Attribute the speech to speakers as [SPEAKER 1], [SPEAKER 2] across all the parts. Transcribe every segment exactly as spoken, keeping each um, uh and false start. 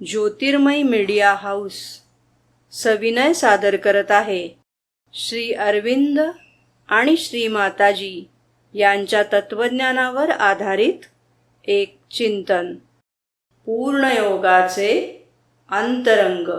[SPEAKER 1] ज्योतिर्मय media house सविनय सादर करत आहे श्री अरविंद आणि श्री माताजी यांच्या तत्वज्ञानावर आधारित एक चिंतन, पूर्णयोगाचे अंतरंग.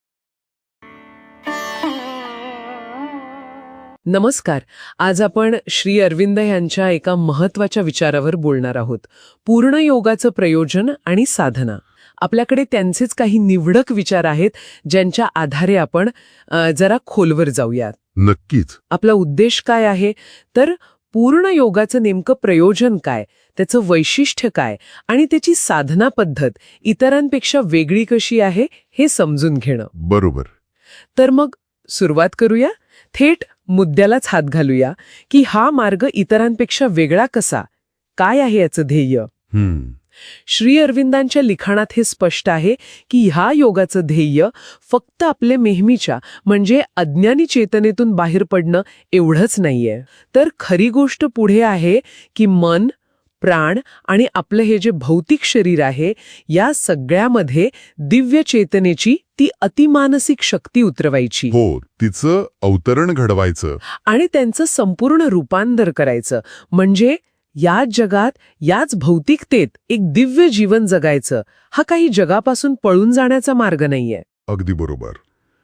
[SPEAKER 2] नमस्कार. आज आपण श्री अरविंद यांच्या एका महत्त्वाच्या विचारावर बोलणार आहोत, पूर्णयोगाचं प्रयोजन आणि साधना. आपल्याकडे त्यांचेच काही निवडक विचार आहेत, ज्यांच्या आधारे आपण अ, जरा खोलवर जाऊयात.
[SPEAKER 3] नक्कीच.
[SPEAKER 2] आपला उद्देश काय आहे, तर पूर्ण योगाचं नेमकं प्रयोजन काय, त्याचं वैशिष्ट्य काय आणि त्याची साधना पद्धत इतरांपेक्षा वेगळी कशी आहे हे समजून घेणं.
[SPEAKER 3] बरोबर.
[SPEAKER 2] तर मग सुरुवात करूया. थेट मुद्द्यालाच हात घालूया की हा मार्ग इतरांपेक्षा वेगळा कसा, काय आहे याचं ध्येय.
[SPEAKER 3] हम्म
[SPEAKER 2] श्री अरविंदांच्या लिखाणात हे स्पष्ट आहे की ह्या योगाचं ध्येय फक्त आपले नेहमीच्या म्हणजे अज्ञानी चेतनेतून बाहेर पडणं एवढंच नाहीये, तर खरी गोष्ट पुढे आहे की मन, प्राण आणि आपलं हे जे भौतिक शरीर आहे या सगळ्यामध्ये दिव्य चेतनेची ती अतिमानसिक शक्ती उतरवायची.
[SPEAKER 3] हो, तिचं अवतरण घडवायचं
[SPEAKER 2] आणि त्यांचं संपूर्ण रूपांतर करायचं, म्हणजे याच जगात याच भौतिकतेत एक दिव्य जीवन जगायचं. हा काही जगापासून पळून जाण्याचा मार्ग नाहीये.
[SPEAKER 3] अगदी बरोबर.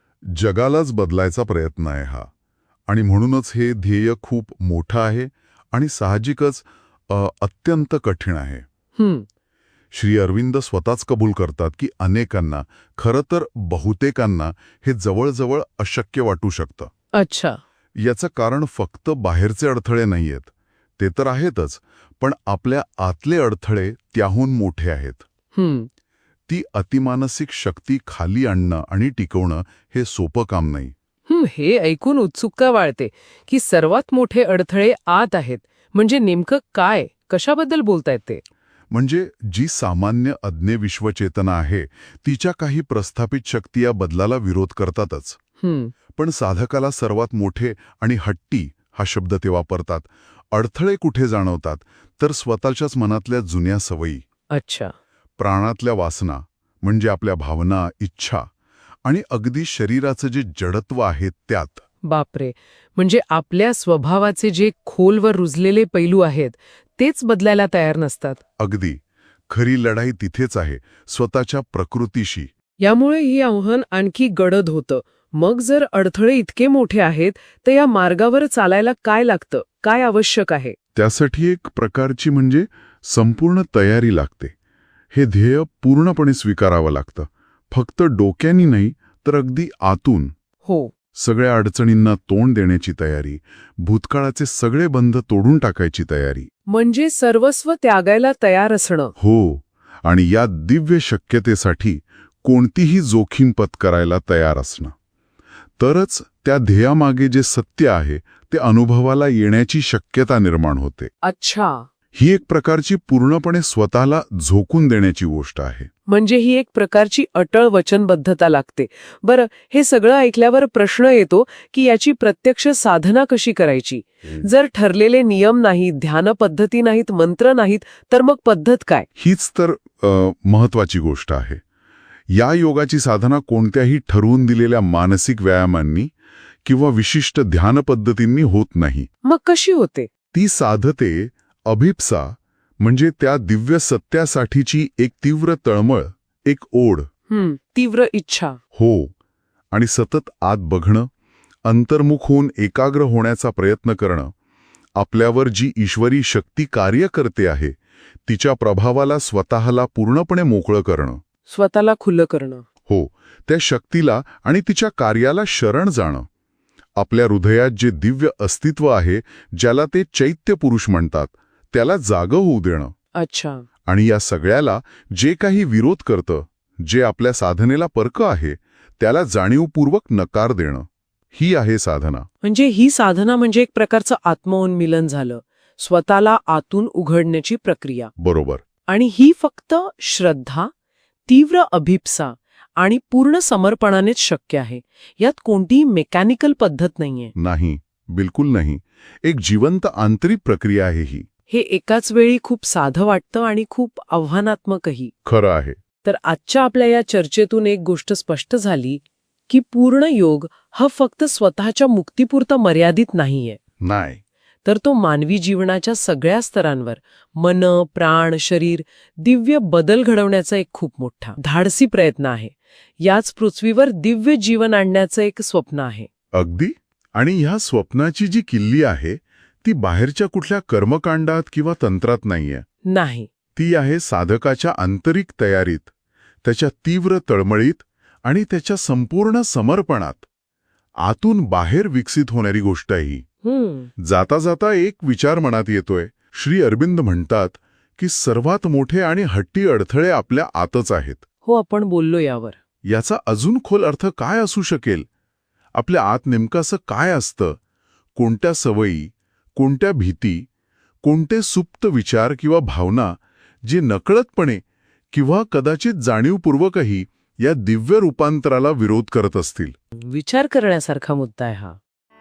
[SPEAKER 3] जगालाच बदलायचा प्रयत्न आहे हा, आणि म्हणूनच हे ध्येय खूप मोठं आहे आणि साहजिकच अ, अत्यंत कठीण आहे.
[SPEAKER 2] हम्म
[SPEAKER 3] श्री अरविंद स्वतःच कबूल करतात की अनेकांना, खरं तर बहुतेकांना, हे जवळजवळ अशक्य वाटू शकतं.
[SPEAKER 2] अच्छा.
[SPEAKER 3] याचं कारण फक्त बाहेरचे अडथळे नाहीयेत, ते तर आहेतच, पण आपल्या आतले अडथळे त्याहून मोठे आहेत.
[SPEAKER 2] हम्म
[SPEAKER 3] ती अतिमानसिक शक्ती खाली आणणं आणि टिकवणं हे सोपं काम नाही.
[SPEAKER 2] हम्म हे ऐकून उत्सुकता वाढते की सर्वात मोठे अडथळे आत आहेत. म्हणजे नेमकं काय, कशाबद्दल बोलतायत ते?
[SPEAKER 3] म्हणजे जी सामान्य अज्ञे विश्वचेतना आहे, तिच्या काही प्रस्थापित शक्ती या बदलाला विरोध करतातच.
[SPEAKER 2] हम्म
[SPEAKER 3] पण साधकाला सर्वात मोठे आणि हट्टी हा शब्द ते वापरतात. अडथळे कुठे जाणवतात, तर स्वतःच्याच मनातल्या जुन्या सवयी,
[SPEAKER 2] अच्छा.
[SPEAKER 3] प्राणातल्या वासना म्हणजे आपल्या भावना, इच्छा आणि अगदी शरीराचं जे जडत्व आहे त्यात.
[SPEAKER 2] बापरे. म्हणजे आपल्या स्वभावाचे जे खोलवर रुजलेले पैलू आहेत तेच बदलायला तयार नसतात.
[SPEAKER 3] अगदी. खरी लढाई तिथेच आहे, स्वतःच्या प्रकृतीशी.
[SPEAKER 2] यामुळे ही आव्हान आणखी गडद होतं. मग जर अडथळे इतके मोठे आहेत तर या मार्गावर चालायला काय लागतं, काय आवश्यक आहे?
[SPEAKER 3] त्यासाठी एक प्रकारची म्हणजे संपूर्ण तयारी लागते. हे ध्येय पूर्णपणे स्वीकारावं लागतं, फक्त डोक्यानी नाही तर अगदी आतून.
[SPEAKER 2] हो.
[SPEAKER 3] सगळ्या अडचणींना तोंड देण्याची तयारी, भूतकाळाचे सगळे बंध तोडून टाकायची तयारी.
[SPEAKER 2] म्हणजे सर्वस्व त्यागायला तयार असणं.
[SPEAKER 3] हो, आणि या दिव्य शक्यतेसाठी कोणतीही जोखीम पत्करायला तयार असणं. तरच त्या ध्येयामागे जे सत्य आहे ते अनुभवाला येण्याची शक्यता निर्माण होते.
[SPEAKER 2] अच्छा.
[SPEAKER 3] ही एक प्रकारची पूर्णपणे स्वतःला झोकून देण्याची गोष्ट आहे.
[SPEAKER 2] म्हणजे ही एक प्रकारची अटळ वचनबद्धता लागते. बरं, हे सगळं ऐकल्यावर प्रश्न येतो की याची प्रत्यक्ष साधना कशी करायची? जर ठरलेले नियम नाहीत, ध्यान पद्धती नाहीत, मंत्र नाहीत, तर मग पद्धत काय?
[SPEAKER 3] हीच तर अ, महत्वाची गोष्ट आहे. या योगाची साधना कोणत्याही ठरवून दिलेल्या मानसिक व्यायामांनी किंवा विशिष्ट ध्यान पद्धतींनी होत नाही.
[SPEAKER 2] मग कशी होते?
[SPEAKER 3] ती साधते अभिप्सा, म्हणजे त्या दिव्य सत्यासाठीची एक तीव्र तळमळ, एक ओढ.
[SPEAKER 2] हम्म तीव्र इच्छा.
[SPEAKER 3] हो, आणि सतत आत बघणं, अंतर्मुख होऊन एकाग्र होण्याचा प्रयत्न करणं. आपल्यावर जी ईश्वरी शक्ती कार्य करते आहे तिच्या प्रभावाला स्वतःला पूर्णपणे मोकळं करणं.
[SPEAKER 2] स्वतःला खुलं करणं.
[SPEAKER 3] हो, त्या शक्तीला आणि तिच्या कार्याला शरण जाणं. आपल्या हृदयात जे दिव्य अस्तित्व आहे, ज्याला ते चैत्य पुरुष म्हणतात, त्याला जागं होऊ देणं.
[SPEAKER 2] अच्छा.
[SPEAKER 3] आणि या सगळ्याला जे काही विरोध करतं, जे आपल्या साधनेला पर्क आहे, त्याला जाणीवपूर्वक नकार देणं. ही आहे साधना.
[SPEAKER 2] म्हणजे ही साधना म्हणजे एक प्रकारचं आत्मोन्मिलन झालं, स्वतःला आतून उघडण्याची प्रक्रिया.
[SPEAKER 3] बरोबर.
[SPEAKER 2] आणि ही फक्त श्रद्धा, तीव्र अभिप्सा आणि पूर्ण समर्पणानेच शक्य आहे. यात कोणतीही मेकॅनिकल पद्धत नाहीये.
[SPEAKER 3] नाही, बिलकुल नाही. एक जिवंत आंतरिक प्रक्रिया आहे ही.
[SPEAKER 2] हे एकाच वेळी खूप साधं वाटतं आणि खूप आव्हानात्मकही.
[SPEAKER 3] खरं आहे.
[SPEAKER 2] तर आजच्या आपल्या या चर्चेतून एक गोष्ट स्पष्ट झाली की पूर्ण योग हा फक्त स्वतःच्या मुक्तीपुरता मर्यादित नाहीये,
[SPEAKER 3] नाही.
[SPEAKER 2] तर तो मानवी जीवनाच्या सगळ्या स्तरांवर मन, प्राण, शरीर दिव्य बदल घडवण्याचा एक खूप मोठा धाडसी प्रयत्न आहे. याच पृथ्वीवर दिव्य जीवन आणण्याचं एक स्वप्न आहे.
[SPEAKER 3] अगदी. आणि ह्या स्वप्नाची जी किल्ली आहे ती बाहेरच्या कुठल्या कर्मकांडात किंवा तंत्रात नाहीये.
[SPEAKER 2] नाही.
[SPEAKER 3] ती आहे साधकाच्या आंतरिक तयारीत, त्याच्या तीव्र तळमळीत आणि त्याच्या संपूर्ण समर्पणात. आतून बाहेर विकसित होणारी गोष्ट आहे ही.
[SPEAKER 2] हम्म
[SPEAKER 3] जाता जाता एक विचार मनात येतोय. श्री अरविंद म्हणतात की सर्वात मोठे आणि हट्टी अडथळे आपल्या आतच आहेत.
[SPEAKER 2] हो, आपण बोललो यावर.
[SPEAKER 3] याचा अजून खोल अर्थ काय असू शकेल? आपल्या आत नेमकं असं काय असतं? कोणत्या सवयी, कोणत्या भीती, कोणते सुप्त विचार किंवा भावना जे नकळतपणे किंवा कदाचित जाणीवपूर्वकही या दिव्य रूपांतराला विरोध करत असतील?
[SPEAKER 2] विचार करण्यासारखा मुद्दा आहे हा.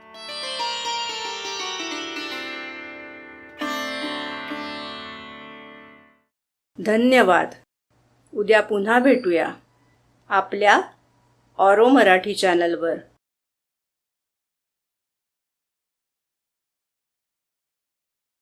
[SPEAKER 1] धन्यवाद. उद्या पुन्हा भेटूया आपल्या ऑरो मराठी चॅनलवर.